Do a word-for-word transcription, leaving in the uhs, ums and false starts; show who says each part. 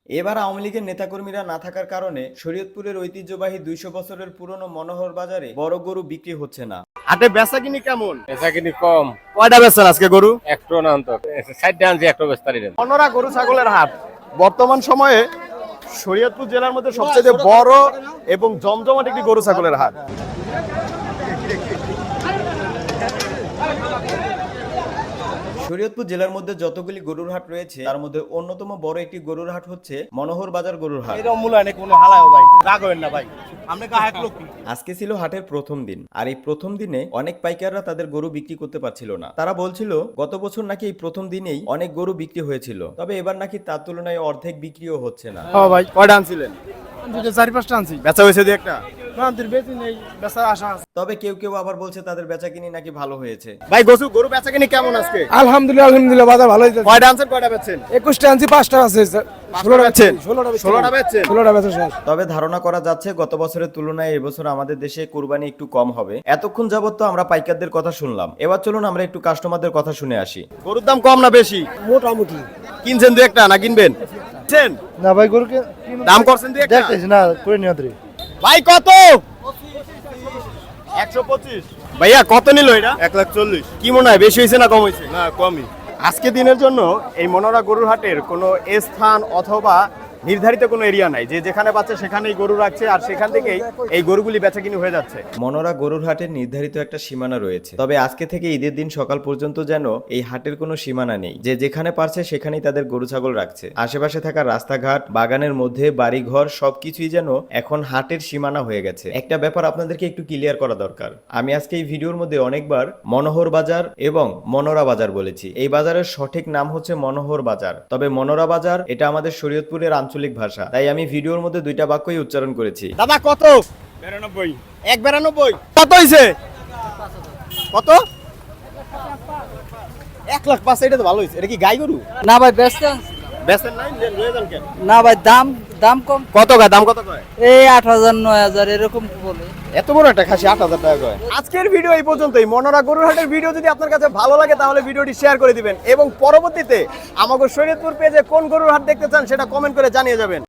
Speaker 1: এবার আওয়ামী লীগের নেতাকর্মীরা না থাকার কারণে শরীয়তপুরের ঐতিহ্যবাহী দুইশো বছরের পুরনো মনোহর বাজারে বড় গরু বিক্রি হচ্ছে না।
Speaker 2: হাটে বেচা কিনি কেমন?
Speaker 3: বেচা কিনি কম।
Speaker 2: কয়টা বেচছেন আজকে গরু?
Speaker 3: একটু না অন্তত ষাটটা আনছি, একটু বেচতারি না।
Speaker 2: মনোরা গরু ছাগলের হাট বর্তমান সময়ে শরীয়তপুর জেলার মধ্যে সবচেয়ে বড় এবং জমজমাট একটি গরু ছাগলের হাট।
Speaker 1: শরীয়তপুর জেলার মধ্যে যতগুলি গরুর হাট রয়েছে তার মধ্যে অন্যতম বড় একটি গরুর হাট হচ্ছে মনোহর বাজার গরুর হাট।
Speaker 2: এরকম মূল্যায়নে কোনো হালায় ভাই রাগ হবেন না ভাই, আপনি কাহাক লোক।
Speaker 1: আজকে ছিল হাটের প্রথম দিন, আর এই প্রথম দিনে অনেক পাইকাররা তাদের গরু বিক্রি করতে পারছিল না। তারা বলছিল গত বছর নাকি এই প্রথম দিনেই অনেক গরু বিক্রি হয়েছিল, তবে এবার নাকি তার তুলনায় অর্ধেক বিক্রিও হচ্ছে না।
Speaker 2: হ্যাঁ ভাই, কয়টা আনছিলেন?
Speaker 4: দুটো চারি পাঁচটা আনছি।
Speaker 2: বেচা হয়েছে দুই একটা?
Speaker 4: বেশি নেই, বেচার আশা আছে।
Speaker 1: তবে কেউ কেউ আবার বলছে তাদের বেচাকিনি নাকি ভালো হয়েছে।
Speaker 2: ভাই গরু গরু বেচা কিনি কেমন আজকে?
Speaker 4: আলহামদুলিল্লাহ আলহামদুলিল্লাহ বাজার ভালোই যাচ্ছে।
Speaker 2: কয়টা আনছেন, কয়টা বেচছেন?
Speaker 4: একুশটা আনছি, পাঁচটা আছে।
Speaker 2: ষোলোটা বেচছেন?
Speaker 4: ষোলোটা
Speaker 2: ষোলোটা বেচছেন?
Speaker 4: ষোলোটা বেচা শেষ।
Speaker 1: তবে ধারণা করা যাচ্ছে গত বছরের তুলনায় এবছর আমাদের দেশে কুরবানি একটু কম হবে। এতক্ষণ যাবত তো আমরা পাইকারদের কথা শুনলাম, এবার চলুন আমরা একটু কাস্টমারদের কথা শুনে আসি।
Speaker 2: গরুর দাম কম না বেশি?
Speaker 4: মোটামুটি।
Speaker 2: কিনছেন দুই একটা না কিনবেন? কিনছেন?
Speaker 4: না ভাই গরুকে
Speaker 2: দাম করছেন দুই একটা?
Speaker 4: দেখতেছি না, করে নিয়ন্ত্রী।
Speaker 2: ভাই কত? একশো পঁচিশ। ভাইয়া কত নিল এটা?
Speaker 4: এক লাখ চল্লিশ।
Speaker 2: কি মনে হয় বেশি হয়েছে না কম হয়েছে?
Speaker 4: না কমই।
Speaker 2: আজকে দিনের জন্য এই মনোরা গরুর হাটের কোনো স্থান অথবা নির্ধারিত কোনো এরিয়া নাই, যে যেখানে পাচ্ছে সেখানেই গরু রাখছে আর সেখান থেকেই এই গরুগুলি বেচাকিনি হয়ে যাচ্ছে।
Speaker 1: মনোরা গরুর হাটের নির্ধারিত একটা সীমানা রয়েছে, তবে আজকে থেকে ঈদের দিন সকাল পর্যন্ত যেন এই হাটের কোনো সীমানা নেই, যে যেখানে পারছে সেখানেই তাদের গরু ছাগল রাখছে। আশেপাশে থাকা রাস্তাঘাট, বাগানের মধ্যে বাড়িঘর সবকিছুই যেন এখন হাটের সীমানা হয়ে গেছে। একটা ব্যাপার আপনাদেরকে একটু ক্লিয়ার করা দরকার। আমি আজকে এই ভিডিওর মধ্যে অনেকবার মনোহর বাজার এবং মনোরা বাজার বলেছি। এই বাজারের সঠিক নাম হচ্ছে মনোহর বাজার, তবে মনোরা বাজার এটা আমাদের শরীয়তপুরের আঞ্চলিক ভাষা, তাই আমি ভিডিওর মধ্যে দুইটা বাক্যই উচ্চারণ করেছি।
Speaker 2: দাদা কত?
Speaker 4: বিরানব্বই।
Speaker 2: এক বিরানব্বই। কত হয়েছে? কত? এক লাখ পাঁচ। এটা তো ভালো হয়েছে। এটা কি গাই গরু?
Speaker 5: না ভাই ব্যস্ত
Speaker 2: বেচেন নাই? লয়ে যান কেন?
Speaker 5: না ভাই, দাম দাম কম।
Speaker 2: কত গায়? দাম কত কয়?
Speaker 5: এই আট হাজার নয় হাজার এরকম বলে।
Speaker 2: এত বড় একটা খাসি আট হাজার টাকা কয়। আজকের ভিডিও এই পর্যন্তই। মনোরা গরুর হাটের ভিডিও যদি আপনার কাছে ভালো লাগে তাহলে ভিডিওটি শেয়ার করে দিবেন এবং পরবর্তীতে আমাদের শরীয়তপুর পেজে কোন গরুর হাট দেখতে চান সেটা কমেন্ট করে জানিয়ে যাবেন।